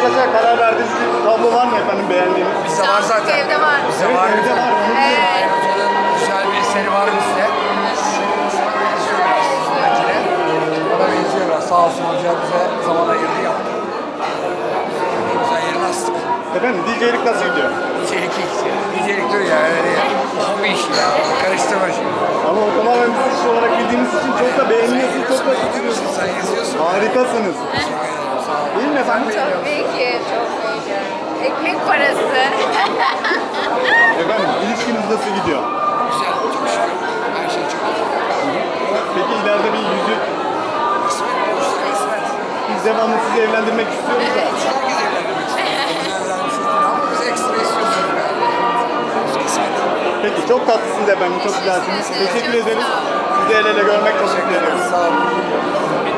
ortaklaşa karar verdiğiniz bir tablo var mı efendim beğendiğiniz? Bizde var zaten. Evde var. Bizde Evet, var. evde var. Evet. Hoca'nın güzel bir eseri var bizde. Şuna benziyor biraz Sinencine. Ona benziyor biraz. Sağ olsun hoca bize zaman ayırdı yaptı. Ne güzel yerine astık. Efendim DJ'lik nasıl gidiyor? Nicelik ilk. Nicelik diyor ya öyle ya. Hobi işi ya. Karıştırma şimdi. Ama o tamamen bir iş olarak bildiğiniz için çok da beğeniyorsunuz, çok da Yazıyorsun, sen yazıyorsun. harikasınız. Değil mi efendim? Çok iyi, çok iyi. Ekmek parası. Efendim ilişkiniz nasıl gidiyor? Güzel, çok şükür. Her şey çok iyi. Peki ileride bir yüzük, Kısmet olursa kısmet. biz devamlı sizi evlendirmek istiyoruz da. Herkes evlendirmek istiyor. Güzel evlenmiş olur ama biz ekstra istiyoruz yani. Kısmet. Peki çok tatlısınız efendim, çok güzelsiniz. Teşekkür ederiz. Sizi el ele görmek çok mutlu ediyoruz. Sağ olun.